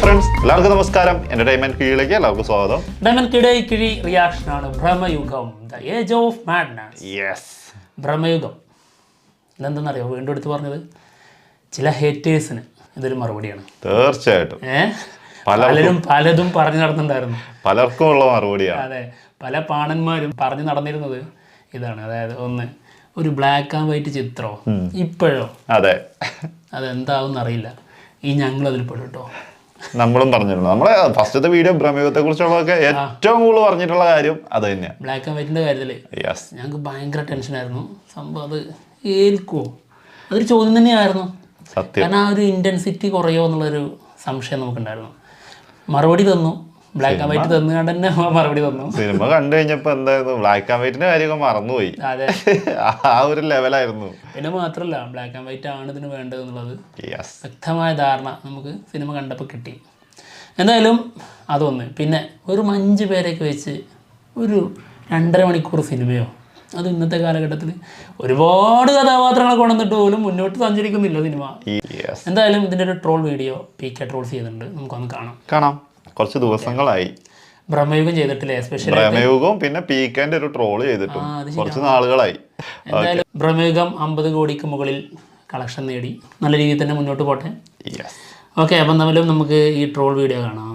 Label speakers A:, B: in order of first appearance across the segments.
A: Friends, എല്ലാവർക്കും നമസ്കാരം. Entertainment കീഴിലേക്ക് എല്ലാവർക്കും സ്വാഗതം.
B: കിഴി റിയാക്ഷൻ ആണ് Bramayugam, the age of madness.
A: Yes,
B: Bramayugam ഇതെന്തെന്നറിയോ? വീണ്ടും എടുത്ത് പറഞ്ഞത് ചില ഹേറ്റേഴ്സിന് ഇതൊരു മറുപടിയാണ്.
A: തീർച്ചയായിട്ടും
B: പലതും പറഞ്ഞു നടന്നിട്ടുണ്ടായിരുന്നു,
A: പലർക്കും ഉള്ള മറുപടിയാണ്.
B: അതെ, പല പാണന്മാരും പറഞ്ഞു നടന്നിരുന്നത് ഇതാണ്. അതായത് ഒന്ന്, ഒരു ബ്ലാക്ക് ആൻഡ് വൈറ്റ് ചിത്രമോ ഇപ്പോഴോ,
A: അതെ,
B: അതെന്താവും അറിയില്ല, ഈ ഞങ്ങളതിൽ പെടും കേട്ടോ.
A: നമ്മളും പറഞ്ഞിരുന്നു. നമ്മളെ ഫസ്റ്റത്തെ വീഡിയോ ഭ്രമയുഗത്തെ കുറിച്ചുള്ളതൊക്കെ ഏറ്റവും കൂടുതൽ പറഞ്ഞിട്ടുള്ള കാര്യം അത് തന്നെയാണ്,
B: ബ്ലാക്ക് ആൻഡ് വൈറ്റിന്റെ കാര്യത്തില്. ഞങ്ങൾക്ക് ഭയങ്കര ടെൻഷനായിരുന്നു സംഭവം. അത് ഏൽക്കുവോ, അതൊരു ചോദ്യം തന്നെയായിരുന്നു.
A: സത്യം.
B: കാരണം ആ ഒരു ഇന്റൻസിറ്റി കുറയോ എന്നുള്ളൊരു സംശയം നമുക്കുണ്ടായിരുന്നു. മറുപടി തന്നു, ബ്ലാക്ക് ആൻഡ് വൈറ്റ് തന്നുകൊണ്ട് തന്നെ മറുപടി തന്നു.
A: സിനിമ കണ്ടു കഴിഞ്ഞപ്പോ എന്തായിരുന്നു, ബ്ലാക്ക് ആൻഡ് വൈറ്റിന്റെ കാര്യമൊക്കെ മറന്നുപോയി.
B: അതെ,
A: ആ ഒരു ലെവലായിരുന്നു.
B: പിന്നെ മാത്രമല്ല, ബ്ലാക്ക് ആൻഡ് വൈറ്റ് ആണ് ഇതിന് വേണ്ടത് എന്നുള്ളത് വ്യക്തമായ ധാരണ നമുക്ക് സിനിമ കണ്ടപ്പോൾ കിട്ടി. എന്തായാലും അതൊന്ന്. പിന്നെ ഒരു 5 പേരൊക്കെ വെച്ച് ഒരു 2.5 മണിക്കൂർ സിനിമയോ, അത് ഇന്നത്തെ കാലഘട്ടത്തിൽ ഒരുപാട് കഥാപാത്രങ്ങളെ കൊണ്ടുവന്നിട്ട് പോലും മുന്നോട്ട് സഞ്ചരിക്കുന്നില്ല സിനിമ. എന്തായാലും ഇതിൻ്റെ ഒരു ട്രോൾ വീഡിയോ PK ട്രോൾസ് ചെയ്തിട്ടുണ്ട്, നമുക്കൊന്ന് കാണാം.
A: കുറച്ച് ദിവസങ്ങളായി
B: ഭ്രമയുഗം ചെയ്തിട്ടില്ലേ, എസ്പെഷ്യലി
A: ഭ്രമയുഗവും പിന്നെ PKന്റെ ഒരു ട്രോൾ ചെയ്തിട്ടും കുറച്ച് നാളുകളായി.
B: എന്തായാലും ഭ്രമയുഗം 50 കോടിക്ക് മുകളിൽ കളക്ഷൻ നേടി, നല്ല രീതിയിൽ തന്നെ മുന്നോട്ട് പോട്ടെ. ഓക്കെ, അപ്പം തമ്മിലും നമുക്ക് ഈ ട്രോൾ വീഡിയോ കാണാം.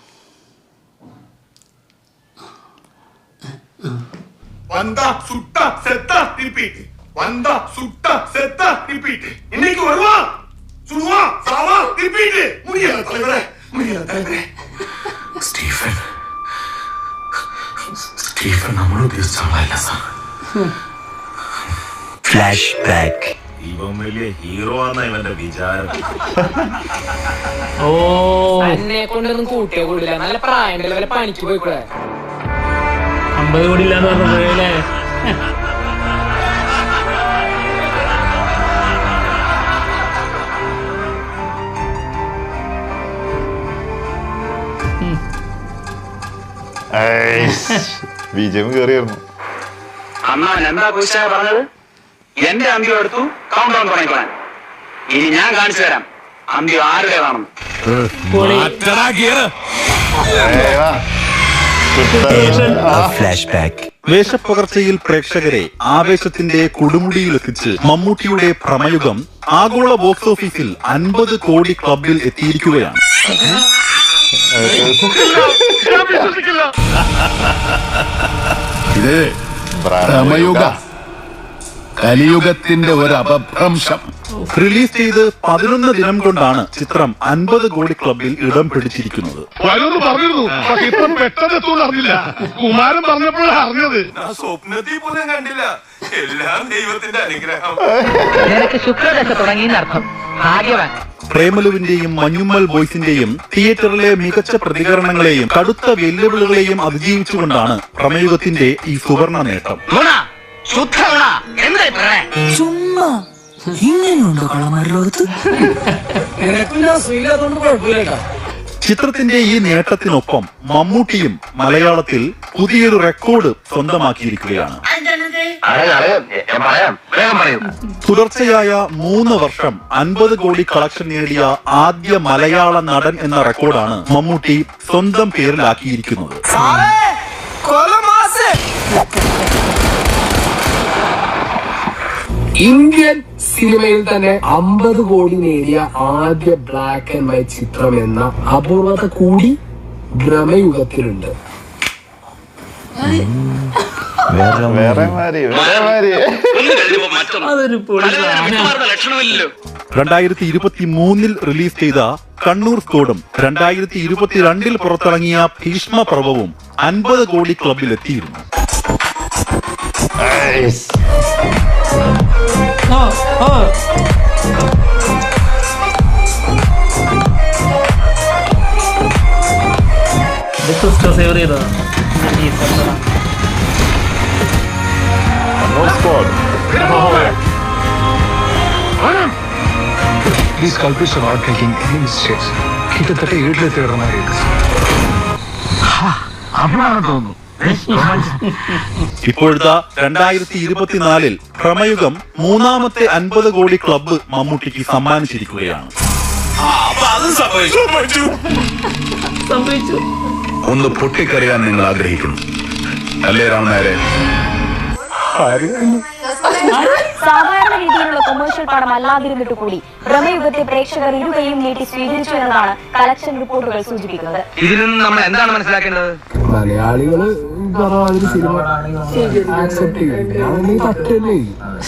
C: வந்தா சுட்டா செத்தா ரிப்பீட், வந்தா சுட்டா செத்தா ரிப்பீட். இன்னைக்கு வருவான், சுடுவான், சாவா ரிப்பீட். முடியல தலைவரே, முடியல தலைவரே. സ്റ്റീഫൻ നമ്മൾ ഉദ്ദേശിച്ച ആളല്ല സാർ.
D: Flash back.
C: ഇവൻ വലിയ ഹീറോ ആണ് ഇവന്റെ വിചാരം.
B: ഓ,
E: എന്നെ കൊണ്ടൊന്നും കൂട്ടിയോ കൂടില്ല, നല്ല പ്രായം വല്ല പണിക്ക് പോയിക്കൂടെ.
B: 50 കോടി ഇല്ലാന്ന് പറഞ്ഞല്ലേ.
A: വിജയം കേറിയായിരുന്നു.
D: അമ്മ എന്താ കുറിച്ചാ പറഞ്ഞത്? എന്റെ അന്ത്യം എടുത്തു, കൗണ്ട് ഡൗൺ തുടങ്ങിക്കോളാൻ. ഇനി ഞാൻ കാണിച്ചു തരാം അന്ത്യം ആരുടേതാണെന്ന്.
F: വേഷപ്പകർച്ചയിൽ പ്രേക്ഷകരെ ആവേശത്തിന്റെ കൊടുമുടിയിലെത്തിച്ച് മമ്മൂട്ടിയുടെ ഭ്രമയുഗം ആഗോള ബോക്സ് ഓഫീസിൽ 50 കോടി ക്ലബിൽ എത്തിയിരിക്കുകയാണ്.
C: ഇത് ഭ്രമയുഗ, കലിയുഗത്തിന്റെ ഒരു അപഭ്രംശം.
F: റിലീസ് ചെയ്ത് 11 ദിനം കൊണ്ടാണ് ചിത്രം 50 കോടി ക്ലബിൽ ഇടം പിടിച്ചിരിക്കുന്നത്.
C: കുമാരൻ പറഞ്ഞപ്പോഴാണ് അറിഞ്ഞത്. സ്വപ്നത്തിൽ പോലും കണ്ടില്ല. എല്ലാം ദൈവത്തിന്റെ അനുഗ്രഹം.
F: പ്രേമലുവിന്റെയും മഞ്ഞുമ്മൽ ബോയ്സിന്റെയും തിയേറ്ററിലെ മികച്ച പ്രതികരണങ്ങളെയും കടുത്ത വെല്ലുവിളികളെയും അതിജീവിച്ചുകൊണ്ടാണ് ഭ്രമയുഗത്തിന്റെ ഈ സുവർണ നേട്ടം.
E: ചുമ്മാ ഇങ്ങനെയുണ്ടോ കളമാരുടെ ലോകത്ത്?
F: ചിത്രത്തിന്റെ ഈ നേട്ടത്തിനൊപ്പം മമ്മൂട്ടിയും മലയാളത്തിൽ പുതിയൊരു റെക്കോർഡ് സ്വന്തമാക്കിയിരിക്കുകയാണ്. തുടർച്ചയായ 3 വർഷം 50 കോടി കളക്ഷൻ നേടിയ ആദ്യ മലയാള നടൻ എന്ന റെക്കോർഡാണ് മമ്മൂട്ടി സ്വന്തം പേരിലാക്കിയിരിക്കുന്നത്.
G: ഇന്ത്യൻ സിനിമയിൽ തന്നെ 50 കോടി നേടിയ ആദ്യ ബ്ലാക്ക് ആൻഡ് വൈറ്റ് ചിത്രം എന്ന അപൂർവത കൂടി ഭ്രമയുഗത്തിലുണ്ട്.
B: അതൊരു
F: 2023 റിലീസ് ചെയ്ത കണ്ണൂർ സ്കോഡും 2022 പുറത്തിറങ്ങിയ ഭീഷ്മ പർവവും 50 കോടി ക്ലബിൽ എത്തിയിരുന്നു.
B: സേവർ ചെയ്തതാ.
H: These culprits are not making any mistakes. കിട്ടത്തട്ട വീട്ടിലെത്തിയിടുന്ന അപ്പോഴാണ് തോന്നുന്നു.
F: ഇപ്പോഴത്തെ 2024 ഭ്രമയുഗം 3ാമത്തെ 50 കോടി ക്ലബ്ബ് മമ്മൂട്ടിക്ക് സമ്മാനിച്ചിരിക്കുകയാണ്.
B: സംഭവിച്ചു.
I: ഒന്ന് പൊട്ടിക്കറിയാൻ നിങ്ങൾ ആഗ്രഹിക്കുന്നു അല്ലേ രാമനായരെ?
J: സാധാരണ രീതിയിലുള്ള കൊമേഴ്ഷ്യൽ പടം അല്ലാതിരുന്നിട്ട് കൂടി ഭ്രമയുഗത്തെ പ്രേക്ഷകർ ഇരുകയും നീട്ടി സ്വീകരിച്ചു എന്നതാണ് കളക്ഷൻ റിപ്പോർട്ടുകൾ സൂചിപ്പിക്കുന്നത്.
D: ഇതിൽ നിന്ന് നമ്മൾ എന്താണ് മനസ്സിലാക്കേണ്ടത്?
G: മലയാളികള് പറഞ്ഞ സിനിമ ആക്സെപ്റ്റ് ചെയ്യും. പറ്റല്ലേ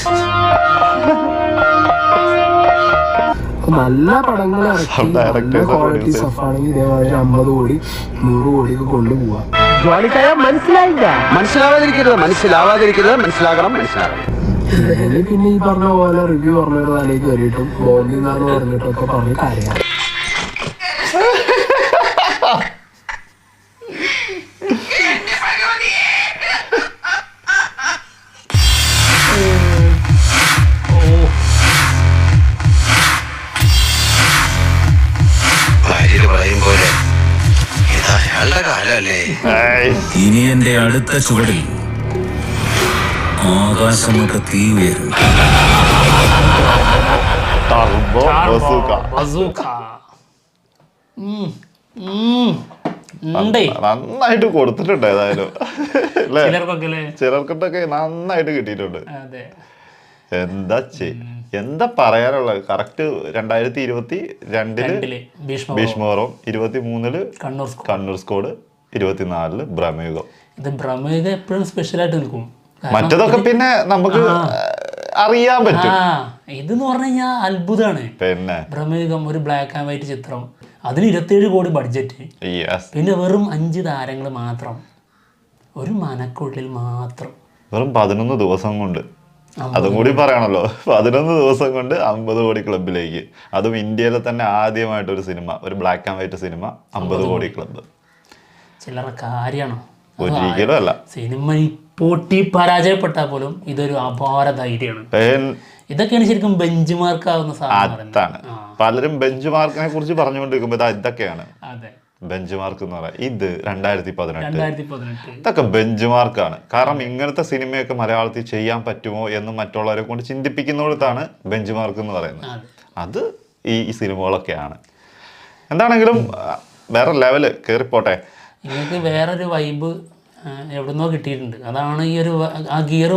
G: നല്ല പടങ്ങൾ ഇറക്കി നല്ല ക്വാളിറ്റി സ്റ്റഫാണെങ്കിൽ ഇതേമാതിരി 50 കോടി 100 കോടിയൊക്കെ കൊണ്ടുപോവാ. പിന്നെ ഈ പറഞ്ഞ പോലെ റിവ്യൂ പറഞ്ഞൊരു തലേക്ക് കയറിയിട്ടും ബോണ്ടിന്നാന്ന് പറഞ്ഞിട്ടൊക്കെ പറഞ്ഞ് കാര്യമാണ്.
K: ഇനി എന്റെ അടുത്ത ചുവടിൽ ആകാശമൊക്കെ തീ ഉയരും.
A: നന്നായിട്ട് കൊടുത്തിട്ടുണ്ട് ഏതായാലും അല്ലേ? ചിലർക്കൊക്കെ നന്നായിട്ട് കിട്ടിയിട്ടുണ്ട്. എന്താ പറയാനുള്ളത്? Correct 2022 Bheeshma Parvam, 23 Kannur squad, 24 Bramayugam.
B: ഇത് ഭ്രമയുഗം എപ്പോഴും സ്പെഷ്യലായിട്ട് നിൽക്കും.
A: മറ്റതൊക്കെ പിന്നെ നമുക്ക് അറിയാൻ പറ്റും.
B: ഇതെന്ന് പറഞ്ഞു കഴിഞ്ഞാൽ അത്ഭുതമാണ്.
A: പിന്നെ
B: ഭ്രമയുഗം ഒരു ബ്ലാക്ക് ആൻഡ് വൈറ്റ് ചിത്രം, അതിന് 27 കോടി ബഡ്ജറ്റ്, പിന്നെ വെറും 5 താരങ്ങൾ മാത്രം, ഒരു മനക്കുള്ളിൽ മാത്രം,
A: വെറും 11 ദിവസം കൊണ്ട്. അതും കൂടി പറയണല്ലോ, 11 ദിവസം കൊണ്ട് 50 കോടി ക്ലബിലേക്ക്. അതും ഇന്ത്യയിലെ തന്നെ ആദ്യമായിട്ടൊരു സിനിമ, ഒരു ബ്ലാക്ക് ആൻഡ് വൈറ്റ് സിനിമ 50 കോടി ക്ലബ്.
B: ചില്ലറ കാര്യമാണോ?
A: ഒരിക്കലും അല്ല.
B: സിനിമ പൊട്ടി പരാജയപ്പെട്ടാൽ പോലും ഇതൊരു അപാര ധൈര്യമാണ്. ഇതൊക്കെയാണ് ശരിക്കും ബെഞ്ച് മാർക്ക് ആവുന്ന
A: സാധനം. പലരും ബെഞ്ച് മാർക്കിനെ കുറിച്ച് പറഞ്ഞുകൊണ്ടിരിക്കുമ്പോ ഇതൊക്കെയാണ് ബെഞ്ച് മാർക്ക് എന്ന് പറയാം. ഇത് 2018 ഇതൊക്കെ ബെഞ്ച് മാർക്കാണ്. കാരണം ഇങ്ങനത്തെ സിനിമയൊക്കെ മലയാളത്തിൽ ചെയ്യാൻ പറ്റുമോ എന്ന് മറ്റുള്ളവരെ കൊണ്ട് ചിന്തിപ്പിക്കുന്നിടത്താണ് ബെഞ്ച് മാർക്ക് എന്ന് പറയുന്നത്. അത് ഈ സിനിമകളൊക്കെയാണ്. എന്താണെങ്കിലും വേറെ ലെവല് കേറിപ്പോട്ടെ.
B: നിങ്ങൾക്ക് വേറൊരു വൈബ് എവിടുന്നോ കിട്ടിയിട്ടുണ്ട്. അതാണ് ഈ ഒരു ആ ഗിയർ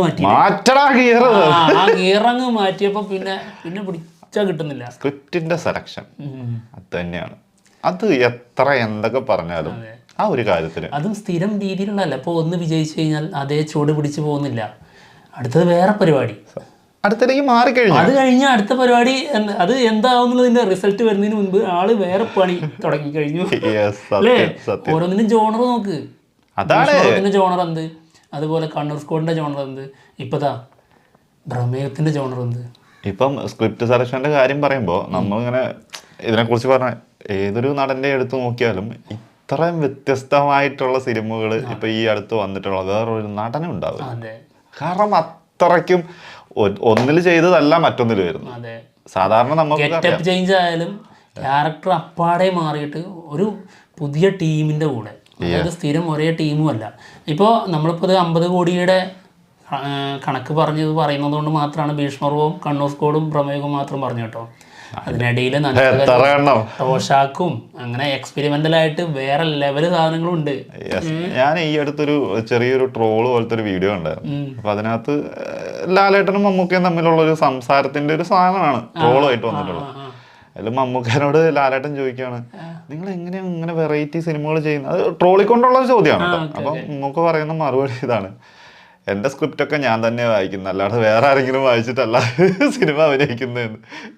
B: അങ്ങ് മാറ്റിയപ്പോ പിന്നെ പിടിച്ചാ കിട്ടുന്നില്ല.
A: സ്ക്രിപ്റ്റിന്റെ സെലക്ഷൻ അത് തന്നെയാണ്. അത് എത്ര എന്തൊക്കെ പറഞ്ഞാലും ആ ഒരു കാര്യത്തിന്
B: അതും സ്ഥിരം രീതിയിലുള്ളതല്ല. ഇപ്പോൾ ഒന്ന് വിജയിച്ചു കഴിഞ്ഞാൽ അതേ ചൂട് പിടിച്ചു പോകുന്നില്ല. അടുത്തത് വേറെ പരിപാടി,
A: അടുത്തേക്ക് മാറിക്കഴിഞ്ഞു.
B: അത് കഴിഞ്ഞ അടുത്ത പരിപാടി അത് എന്താവുന്നതിന്റെ റിസൾട്ട് വരുന്നതിന് മുൻപ് ആള് വേറെ പണി തുടങ്ങി കഴിഞ്ഞു അല്ലേ? ഓരോന്നിനും ജോണർ നോക്ക്. ഭീഷ്മപർവത്തിന്റെ ജോണർ എന്ത്, അതുപോലെ കണ്ണൂർ സ്കോഡിന്റെ ജോണർ എന്ത്, ഇപ്പതാ ഭ്രമയുഗത്തിന്റെ ജോണർ എന്ത്.
A: ഇപ്പം സ്ക്രിപ്റ്റ് സെലക്ഷന്റെ കാര്യം പറയുമ്പോൾ നമ്മളിങ്ങനെ ഇതിനെക്കുറിച്ച് പറഞ്ഞ ഏതൊരു നടന്റെ എടുത്ത് നോക്കിയാലും ഇത്രയും വ്യത്യസ്തമായിട്ടുള്ള സിനിമകൾ ഇപ്പൊ ഈ അടുത്ത് വന്നിട്ടുള്ള വേറൊരു നടനും ഉണ്ടാവും. കാരണം അത്രയ്ക്കും ഒന്നിൽ ചെയ്തതല്ല മറ്റൊന്നിൽ വരുന്നു. സാധാരണ നമുക്ക്
B: ചേഞ്ച് ആയാലും ക്യാരക്ടർ അപ്പാടെ മാറിയിട്ട് ഒരു പുതിയ ടീമിന്റെ കൂടെ, അതായത് സ്ഥിരം ഒരേ ടീമും അല്ല. ഇപ്പോൾ നമ്മളിപ്പോൾ 50 കോടിയുടെ കണക്ക് പറയുന്നത് കൊണ്ട് മാത്രമാണ് ഭീഷ്മപർവവും കണ്ണൂർ സ്കോഡും ഭ്രമയുഗവും മാത്രം പറഞ്ഞു കേട്ടോ. അതിനിടയിൽ ടോഷാക്കും അങ്ങനെ എക്സ്പെരിമെന്റൽ ആയിട്ട് വേറെ ലെവല് സാധനങ്ങളും ഉണ്ട്.
A: ഞാൻ ഈ അടുത്തൊരു ചെറിയൊരു ട്രോള് പോലത്തെ ഒരു വീഡിയോ ഉണ്ടായിരുന്നു. അപ്പൊ അതിനകത്ത് ലാലേട്ടനും മമ്മൂക്കയും തമ്മിലുള്ള ഒരു സംസാരത്തിന്റെ ഒരു സാധനമാണ് ട്രോളുമായിട്ട് വന്നിട്ടുള്ളത്. അതിൽ മമ്മൂക്കനോട് ലാലേട്ടൻ ചോദിക്കുകയാണ്, നിങ്ങൾ എങ്ങനെയാണ് ഇങ്ങനെ വെറൈറ്റി സിനിമകൾ ചെയ്യുന്നത്? അത് ട്രോളിക്കൊണ്ടുള്ള ഒരു ചോദ്യമാണ് കേട്ടോ. അപ്പം മമ്മൂക്ക പറയുന്ന മറുപടി ഇതാണ്, എൻ്റെ സ്ക്രിപ്റ്റൊക്കെ ഞാൻ തന്നെ വായിക്കുന്നത്, അല്ലാതെ വേറെ ആരെങ്കിലും വായിച്ചിട്ടല്ല സിനിമ അഭിനയിക്കുന്നതെന്ന്.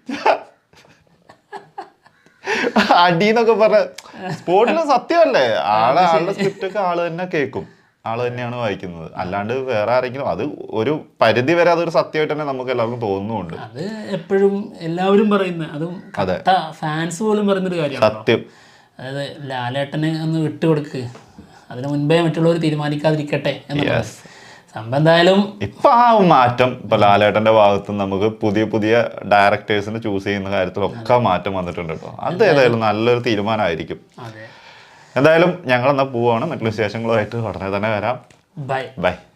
A: അടിന്നൊക്കെ പറഞ്ഞ സ്പോർട്ടില് സത്യമല്ലേ? ആളുടെ സ്ക്രിപ്റ്റൊക്കെ ആള് തന്നെ കേൾക്കും, ആള് തന്നെയാണ് വായിക്കുന്നത്. അല്ലാണ്ട് വേറെ ആരെങ്കിലും, അത് ഒരു പരിധി വരെ അതൊരു സത്യമായിട്ട് തന്നെ നമുക്ക് എല്ലാവർക്കും തോന്നുന്നുണ്ട്.
B: അത് എപ്പോഴും എല്ലാവരും പറയുന്ന, അതും ഫാൻസ് പോലും പറയുന്നൊരു കാര്യമാണ്
A: സത്യം.
B: അതായത് ലാലേട്ടനെ ഒന്ന് വിട്ടുകൊടുക്ക്, അതിന് മുൻപേ മറ്റുള്ളവർ തീരുമാനിക്കാതിരിക്കട്ടെ എന്നുള്ള സംഭവം. എന്തായാലും
A: ഇപ്പൊ ആ മാറ്റം ഇപ്പൊ ലാലേട്ടന്റെ ഭാഗത്ത് നമുക്ക് പുതിയ ഡയറക്ടേഴ്സിനെ ചൂസ് ചെയ്യുന്ന കാര്യത്തിലൊക്കെ മാറ്റം വന്നിട്ടുണ്ട് കേട്ടോ. അത് ഏതായാലും നല്ലൊരു തീരുമാനമായിരിക്കും. എന്തായാലും ഞങ്ങൾ എന്നാ പോവാണ്. മറ്റുള്ള വിശേഷങ്ങളുമായിട്ട് ഉടനെ തന്നെ വരാം.
B: ബൈ.